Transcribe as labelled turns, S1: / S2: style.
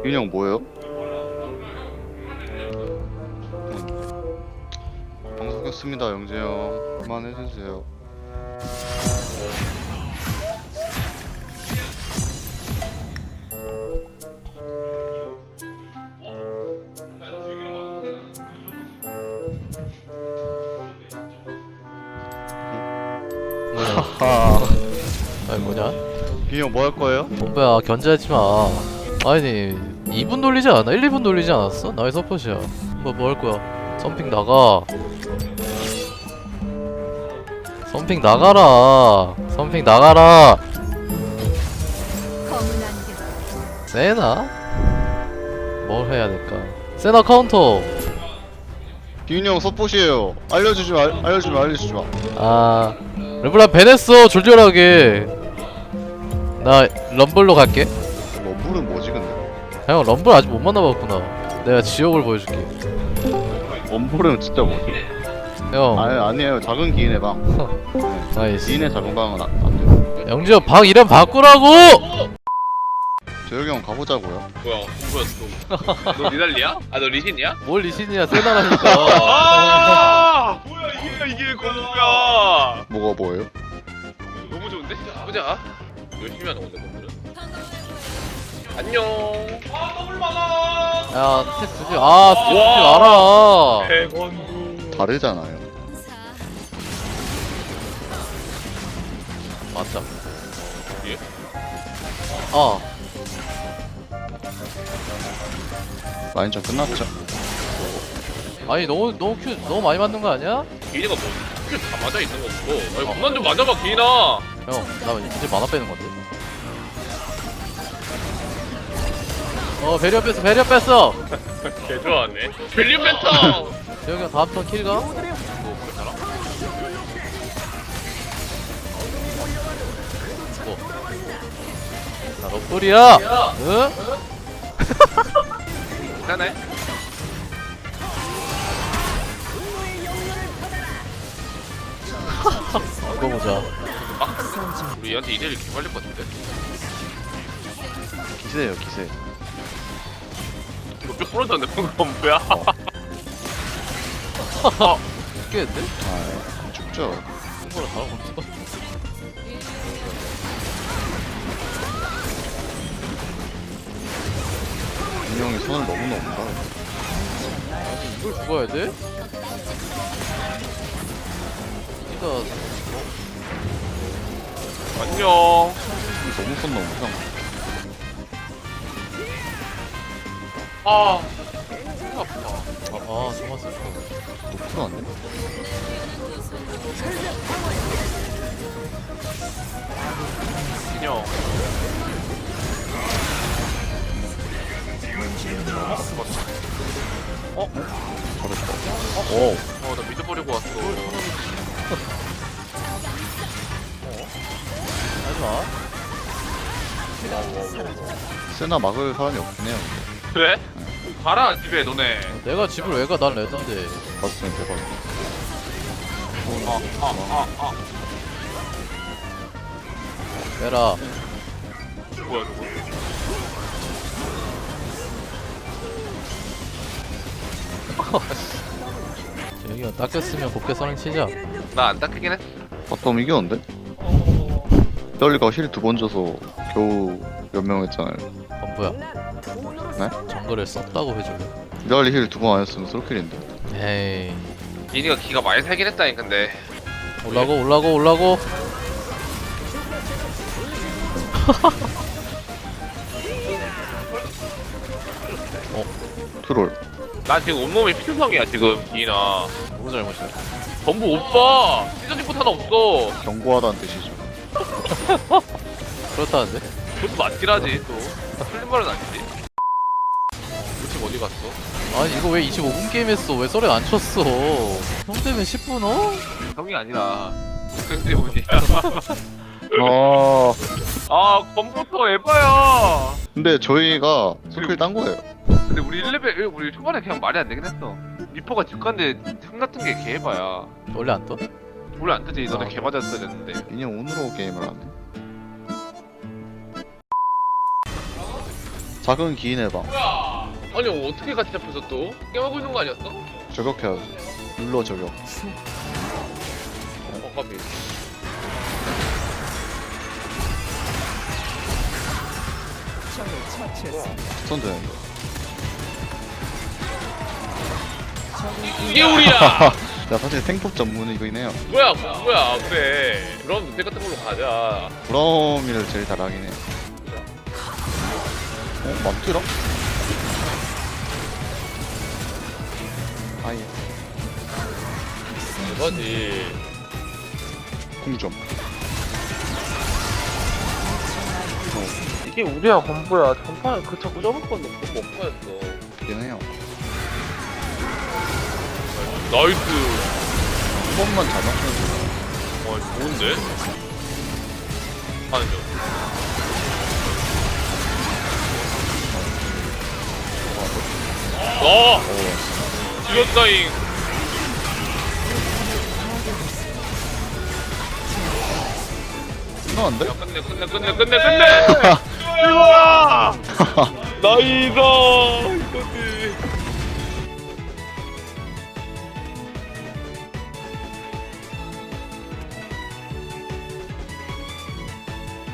S1: 윤형 뭐예요? 방송 켰습니다 영재 형. 그만해주세요. 하하.
S2: 아니 뭐냐?
S1: 윤형 뭐 할 거예요?
S2: 뭐야 견제하지 마. 아니 2분 돌리지 않아? 1, 2분 돌리지 않았어? 나의 서폿이야. 뭐 할 거야? 썸핑 나가. 썸핑 나가라. 썸핑 나가라. 세나? 뭘 해야 될까? 세나 카운터.
S1: 윤형 서폿이에요. 알려주지 마.
S2: 아 르블랑 배냈어 졸렬하게. 나 럼블로 갈게.
S1: 럼블은 뭐지 근데?
S2: 형 럼블 아직 못 만나봤구나. 내가 지옥을 보여줄게.
S1: 럼블은 진짜 뭐지?
S2: 형
S1: 아니에요. 작은 기인의 방.
S2: 나이스.
S1: 기인의 작은 방은 안 돼요.
S2: 영지야 방 이름 바꾸라고!
S1: 재혁이 형 가보자고요.
S3: 뭐야? 누구였어? 너 니달리야? 아 너 리신이야?
S2: 뭘 리신이야 세나라니까.
S3: 아! 뭐야 이게 거부야?
S1: 뭐가 뭐예요?
S3: 너무 좋은데? 보자. 열심히 하는 건데 건물은. 안녕. 아 더블 많아.
S2: 야 스택 주지. 아 스택 주지 알아.
S3: 100원도.
S1: 다르잖아요.
S2: 맞다.
S3: 예?
S2: 아
S1: 라인전 끝났죠?
S2: 아니 너무 큐 너무 많이 맞는 거 아니야?
S3: 기인이가 뭐? 다 맞아 있는 거고. 아니 그만 좀 맞아봐 기인아.
S2: 형 나 이제 만화 빼는 건데. 배려 뺐어.
S3: 개 좋아하네. 벨리 멘터.
S2: 재혁이 형 다음 턴 킬가?
S3: 너 괜찮아?
S2: 나 럭돌이야. 응?
S3: 괜찮네.
S2: 이거 보자.
S3: 우리 얘한테 이대를 개발릴 것 같은데.
S1: 기세예요 기세.
S3: 이거 뼈 부러졌는데 방금 뭐야?
S2: 죽겠는데?
S1: 아 죽죠.
S2: 홍보를 다뤄보자.
S1: 윤형이 손을 너무 넘는다.
S2: 아니 이걸 죽어야 돼? 니가
S3: 안녕.
S1: 너무 손 넘는다.
S3: 아. 아프다.
S2: 정말 슬퍼.
S1: 높지도 않네.
S3: 안녕.
S1: 잘했다. 오.
S3: 나 믿어버리고 왔어.
S2: 하지마.
S1: 세나 막을 사람이 없긴 해요.
S3: 그래? 가라 집에 너네.
S2: 내가 집을 왜 가? 난 레전드.
S1: 봤으면 대박.
S2: 빼라.
S3: 뭐야 저거?
S2: 재혁이 형 닦였으면 곱게 선행 치자.
S3: 나 안 닦이긴 했어.
S1: 바텀 이겼는데? 떨리가 힐 2번 줘서 겨우 몇 명 했잖아요.
S2: 건부야.
S1: 네?
S2: 정글을 썼다고 해줄래?
S1: 이달리 힐 2번 안 했으면 솔킬인데.
S2: 에이.
S3: 이니가 기가 많이 살긴 했다니 근데.
S2: 올라고.
S1: 트롤.
S3: 나 지금 온몸이 피투성이야 지금 이나.
S2: 누구 잘못이야?
S3: 전부 오빠. 시즌집부터 하나 없어.
S1: 경고하다는 뜻이죠.
S2: 그렇다는데?
S3: 그것도 맞긴 하지 또. 틀린 말은 아니지. 우측 어디 갔어?
S2: 아니 이거 왜 25분 게임 했어? 왜 썰에 안 쳤어? 형 때문에 10분 어?
S3: 형이 아니라 그 때문이야. 아 컴퓨터 에바야.
S1: 근데 저희가 솔킬 딴 거예요.
S3: 근데 우리 1레벨 우리 초반에 그냥 말이 안 되긴 했어. 리퍼가 집 간데 틈 같은 게 개에바야.
S2: 원래 안 떠?
S3: 원래 안 뜨지. 너네
S2: 아.
S3: 개 맞았어야 됐는데.
S1: 인형 운으로 게임을 하네. 작은 기인 해봐.
S3: 뭐야? 아니 어떻게 같이 잡혀서 또? 게임하고 있는 거 아니었어?
S1: 저격해야지. 눌러 저격.
S3: 까비.
S1: 스턴 되는데.
S3: 이게 우리야!
S1: 야 사실 탱폭 전문이긴 해요.
S3: 뭐야 그래. 그럼 늑대 같은 걸로 가자.
S1: 브라움이를 제일 잘하긴 해. 맘들어? 아예
S3: 대박이.
S1: 궁점.
S3: 이게 우리야 건보야. 전판 그 자꾸 접을 건데 못 먹었어.
S1: 있긴 해요.
S3: 나이스.
S1: 한 번만 잘 맞추면
S3: 좋은데? 하는 중. 어! 지렸다잉.
S1: 끝나는데?
S3: 야, 끝내. 이거야! 나이스!